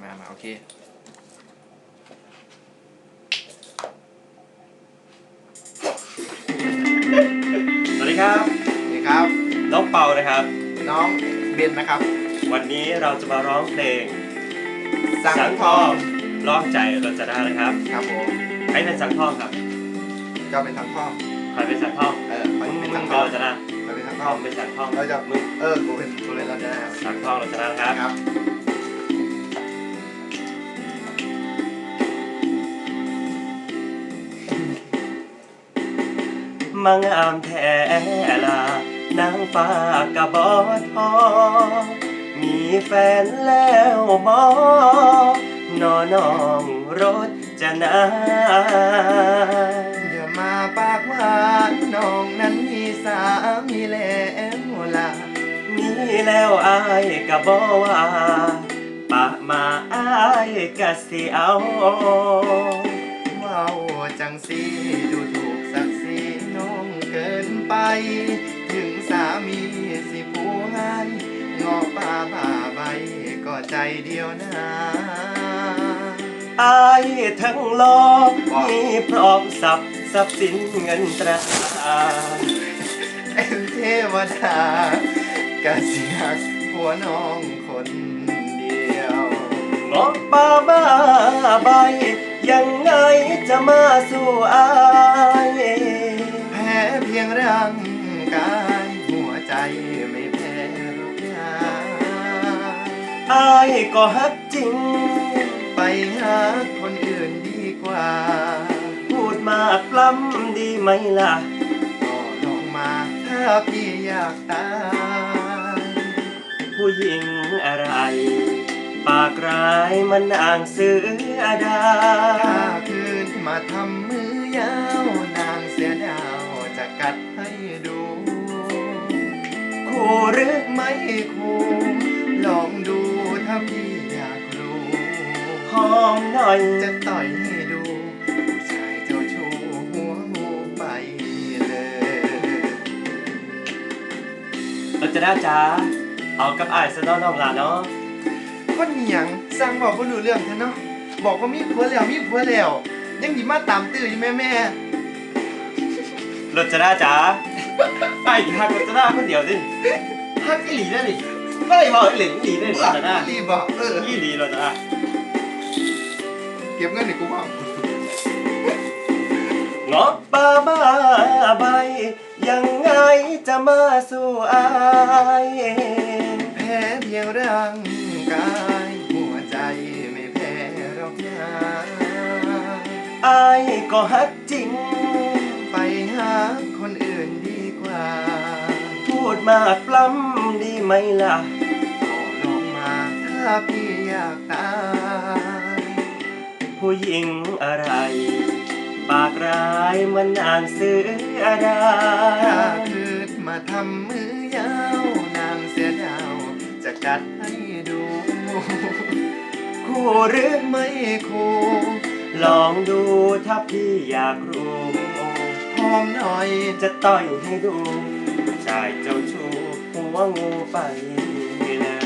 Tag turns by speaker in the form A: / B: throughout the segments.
A: มาโอเค
B: สวัสดีครับ
A: สวัสดีครับ
B: น้องเปานะครับ
A: น้องเบนนะครับ
B: วันนี้เราจะมาร้องเพลง
A: สังทอง
B: ร้องใจเราจะได้นะครับ
A: ครับผม
B: ใครเป็นสังทองครับ
A: ก็เป็นสังทอง
B: ใครเป็นสังทอง
A: ใครเป็นสังทอง
B: เราจะได้
A: ใครเป็นสังท
B: ท
A: อ
B: อง งเป็นสังทอง
A: เราจะมึงกูเป็นเราจะได้
B: สังทองเราจะได้นะครับมังอามแท้ลานางฟ้ากะบอทอมีแฟนแล้วบอนอนองรถจะนา
A: อย่ามาปากหวานน้องนั้นมีสามีแล้วล่ะ
B: มีแล้วอายกะบอว่าปะมาอายกะสิเอา
A: ว้าวจังสีดูถูกศักดิ์ศรีน้องเกินไปถึงสามีสิผู้ให้งอป่าบ่าใบก็ใจเดียวนะ
B: อายทั้งโลกมีพร้อมทรัพย์สินเงินตรา
A: เป็นเทวดากะเสียกหัวน้องคนเดียว
B: งอกป่าบ้าใบยังไงจะมาสู่อาย
A: แพ้เพียงร่างกายหัวใจไม่แพ้หรอกนะ
B: อายก็ฮักจริง
A: ไปหาคนอื่นดีกว่า
B: พูดมากปล้ำดีไหมล่ะ
A: ก็ลองมาถ้าพี่อยากตาย
B: ผู้หญิงอะไรปากร้ายมันอ่างเสือดา
A: ถ้าคืนมาทำมือยาวนางเสียดาวจะกัดให้ดู
B: คู่หรือ
A: ไม่คู่ลองดูถ้าพี่อยากรู้
B: หอมหน่อย
A: จะต่อยให้ดูผู้ชายเจ้าชู้หัวงูไปเลย
B: เราจะได้จ้าเอากับอ้ายซะน้องล่ะเนาะ
A: คนหยังสร้างบอกว่ารู้เรื่องแท้เนาะบอกว่ามีผัวแล้วยังหยิมาตามตื้ออยู่แม่
B: รถจะได้จ้าไอ้ฮักรถจะได้คนเดียวดิฮักอีหลีได้ดิไม่บอกอีหลีได้รถจะได้
A: อีหลีบอก
B: อีหลีรถจะได้
A: เก็บเงินในกูบ้าง
B: เงาะป่าบ้าใบยังไงจะมาสู่อาย
A: แพ้เพียงร่างกายหัวใจไม่แพ้หรอกนะ
B: อายก็ฮักจริง
A: ไปหาคนอื่นดีกว่า
B: พูดมากปล้ำดีไหมล่ะ
A: ก็ลองมาถ้าพี่อยากตาย
B: ผู้หญิงอะไรปากร้ายมันอ่างเสือดา
A: ถ้าคืนมาทำมือยาวนางเสียดาวจะกัดให้ดู
B: คู่หรือ
A: ไม่คู่
B: ลองดูถ้าพี่อยากรู้
A: หอมหน่อย
B: จะต่อยให้ดูชายเจ้าชู้หัวงูไปเลย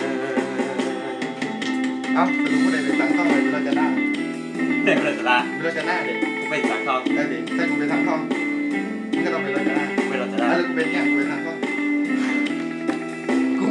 A: สรุปว่าได้เป็นสังทองเลยเราจะได้
B: เป็นเราจะได้
A: เราจะได้เด็ก
B: เป็นสังทอง
A: ได้เด็กถ้ากูเป็นสังทองมึงก็ต้องเป็นเราจะได้
B: เป็นเราจะได้
A: แล้วกูเป็นเนี่ยกูเป็นสังทอง